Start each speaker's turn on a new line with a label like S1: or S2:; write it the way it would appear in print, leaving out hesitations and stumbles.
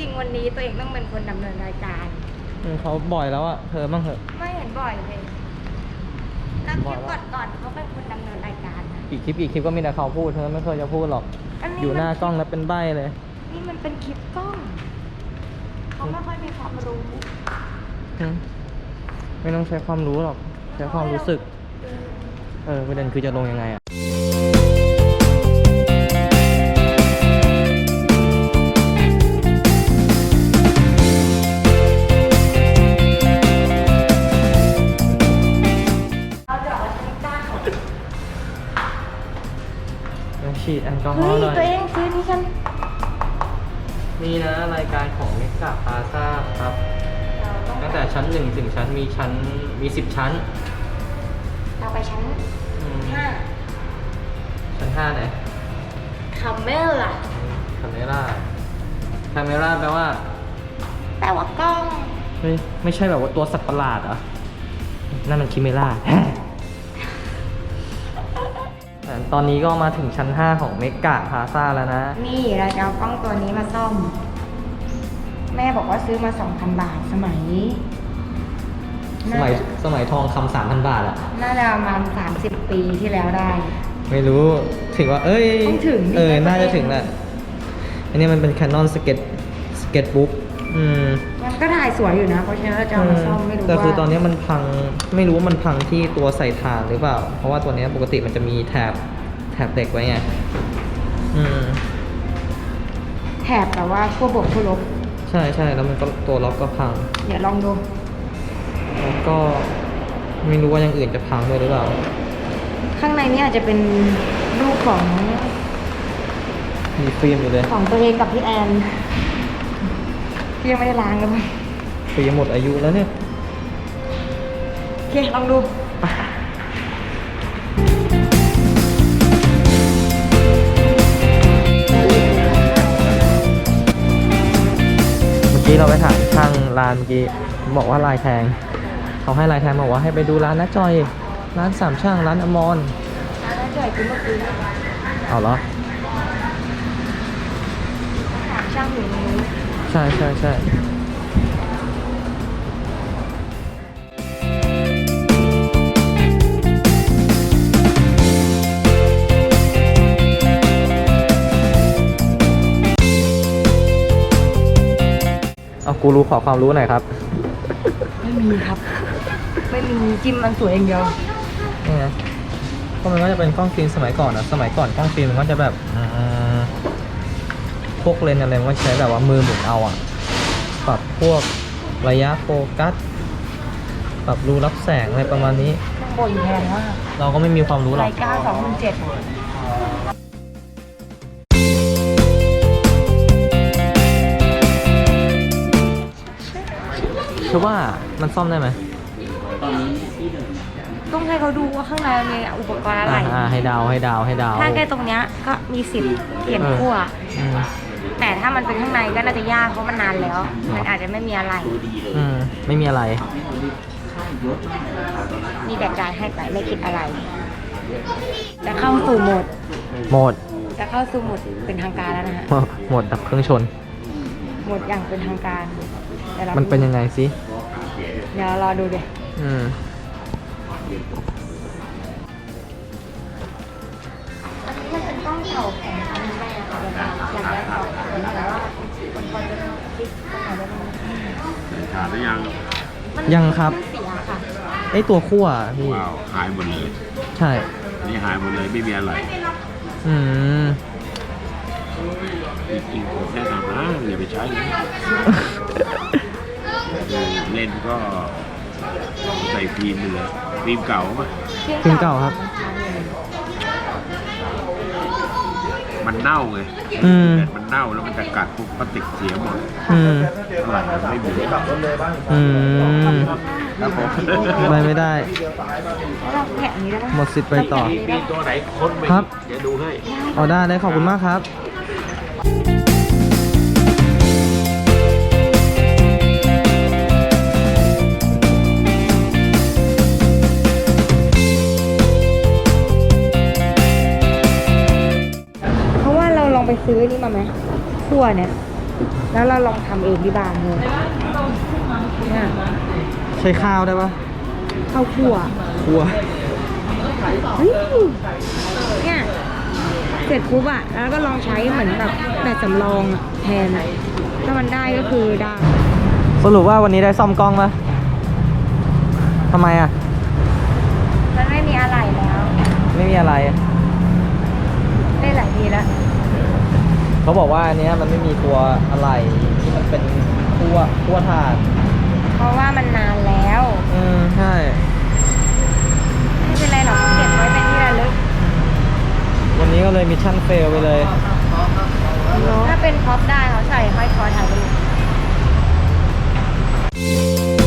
S1: ริงๆวันนี้ตัวเองต้องเป็นคนดำเนินรายการ
S2: เขาบ่อยแล้วอะเธอบ้างเถอะ
S1: ไม่เห็นบ่อยเลยนักคลิปก่อนเขาเป็นคนดำเนินรายการนะ
S2: กี่คลิปก็มีแต่เขาพูดเธอไม่เคยจะพูดหรอกอยู่หน้ากล้องแล้วเป็นใบ้เลย
S1: นี่มันเป็นคลิปกล้องเขาไม่ค่อยมีความรู้
S2: ไม่ต้องใช้ความรู้หรอกใช้ความรู้สึกประเด็นคือจะลงยังไงอะฉีดแอลกอฮอล์หน่อย
S1: ตัวเองซื้อนี่กัน
S2: นี่นะรายการของเมกะพลาซ่าครับตั้งแต่ชั้น1ถึงชั้นมี10ชั้น
S1: เราไปชั้น5
S2: ชั้น5ไหน
S1: คาเมล่า
S2: คาเมล่าแปลว่
S1: ากล้อง
S2: ไม่ใช่แบบว่าตัวสัตว์ประหลาดเหรอนั่นมันคิเมล่าตอนนี้ก็มาถึงชั้น5ของเมกะพลาซ่าแล้วนะ
S1: นี่เราจะเอากล้องตัวนี้มาซ่อมแม่บอกว่าซื้อมา 2,000 บาทสมั
S2: ยทองคำ 3,000 บาทอะ
S1: น่าจะประมาณ30 ปีที่แล้วได้
S2: ไม่รู้ถึงว่า
S1: ต้องถึง
S2: น่าจะถึงแหละอันนี้มันเป็น Canon Sketchbook
S1: มันก็ถ่ายสวยอยู่นะเพราะฉะนั้นเราจะเอามาซ่อมไม่รู้ว่า
S2: แต่คือตอนนี้มันพังไม่รู้ว่ามันพังที่ตัวใส่ถ่านหรือเปล่าเพราะว่าตัวนี้ปกติมันจะมีแถบเหล็กไว้ไง
S1: แถบแต่ว่าขั้วบวกขั้วลบ
S2: ใช่แล้วมันก็ตัวล็อกก็พัง
S1: เดี๋ยวลองดู
S2: แล้วก็ไม่รู้ว่าอย่างอื่นจะพังด้วยหรือเปล่า
S1: ข้างในนี้อาจจะเป็นรูปของ
S2: มีฟิล์มอยู่เลย
S1: ของตัวเองกับพี่แอนยังไม่ได้ล้างเลยมั้ง
S2: ฟิล์มหมดอายุแล้วเนี่ย
S1: โอเคลองดู
S2: เราไปถามช่างร้านเมื่อกี้บอกว่าลายแทงเขาให้ลายแทงบอกว่าให้ไปดูร้านน้าจอยร้านสามช่างร้านอมร
S1: ร้านน้าจอยคือเมื่อกี้
S2: เอาเหรอ
S1: สามช่างอยู่นี้
S2: ใช่เอากูรู้ขอความรู้หน่อยครับ
S1: ไม่มีครับไม่มีจิ้มมันสวยอย่างเดียว
S2: นี่ไงก็มันก็จะเป็นกล้องฟิล์มสมัยก่อนนะสมัยก่อนกล้องฟิล์มมันก็จะแบบพวกเลนส์อะไรมันก็ใช้แบบว่ามือหมุนเอาปรับพวกระยะโฟกัสปรับรูรับแสงอะไรประมาณนี้
S1: ข้างบนแพงมาก
S2: เราก็ไม่มีความรู้หรอก
S1: Leica 2007
S2: คิดว่ามันซ่อมได้ไหม
S1: ต้องให้เขาดูว่าข้างในมีอุปกรณ์อะไร
S2: ให้ดาว
S1: ถ้าแค่ตรงเนี้ยก็มีสิทธิ์เปลี่ยนขั้วแต่ถ้ามันเป็นข้างในก็น่าจะยากเพราะมันนานแล้วมันอาจจะไม่มีอะไร
S2: ไม่มีอะไร
S1: มีแต่จ่ายให้ไปไม่คิดอะไรจะเข้าสู่โหมดจะเข้าสู่โหมดเป็นทางการแล้วนะฮะ
S2: โหมดดับเครื่องชน
S1: โหมดอย่างเป็นทางการ
S2: มันเป็นยังไงสิ
S1: เดี๋ยวรอดูดิอันนี้มันเป็นกล้องเก่าของทางแม่ค่ะอยากได้ออกแต่ว่าคนพอจะคิดตรงไหนได้บ้าง
S3: ขาดหรือยัง
S2: ยังครับ
S1: เสียค่ะ
S2: ไอตัวขั้วพี่
S3: หายหมดเลย
S2: ใช่
S3: นี่หายหมดเลยไม่มีอะไรอีกแค่ทำนะอย่าไปใช้เลยเล่นก็ใส่ฟิล์มเลยฟิล์มเก่าป่ะ
S2: ฟิล์มเก่าครับ
S3: มันเน่าไงมันเน่าแล้วมันจะกัดพวกพลาสติกเสียหมดหลังไม่มี
S2: ครับผมไม่ได้หมดสิทธิ์ไปต่อ
S3: มีตัวไหนค้นไป
S2: ครับ
S3: เดี๋ยวดูให้
S2: เอาได้ขอบคุณมากครับ
S1: ไปซื้อนี่มาไหมขั้วเนี่ยแล้วเราลองทำเองที่บ้านเลยเนี่ย
S2: ใช้ข้าวได้ปะ
S1: ข้าวคั่ว
S2: คั่ว
S1: เฮ้ยเนี่ยเสร็จปุ๊บอะแล้วก็ลองใช้เหมือนแบบสำรองอะแทนถ้ามันได้ก็คือได้
S2: สรุปว่าวันนี้ได้ซ่อมกล้องปะทำไมอ่ะ
S1: มันไม่มีอะไรแล้ว
S2: ไม่มีอะไร
S1: ได้หลายทีแล้ว
S2: เขาบอกว่าอันเนี้ยมันไม่มีตัวอะไรที่มันเป็นคั่วถ่าน
S1: เพราะว่ามันนานแล้ว
S2: ใช่
S1: ไม่เป็นไรหรอกเก็บไว้เป็นที่ระลึก
S2: วันนี้ก็เลยมิชชั่นเฟลไปเลย
S1: ถ้าเป็นพ็อปได้เขาใส่ห้อยคอถ่ายรูป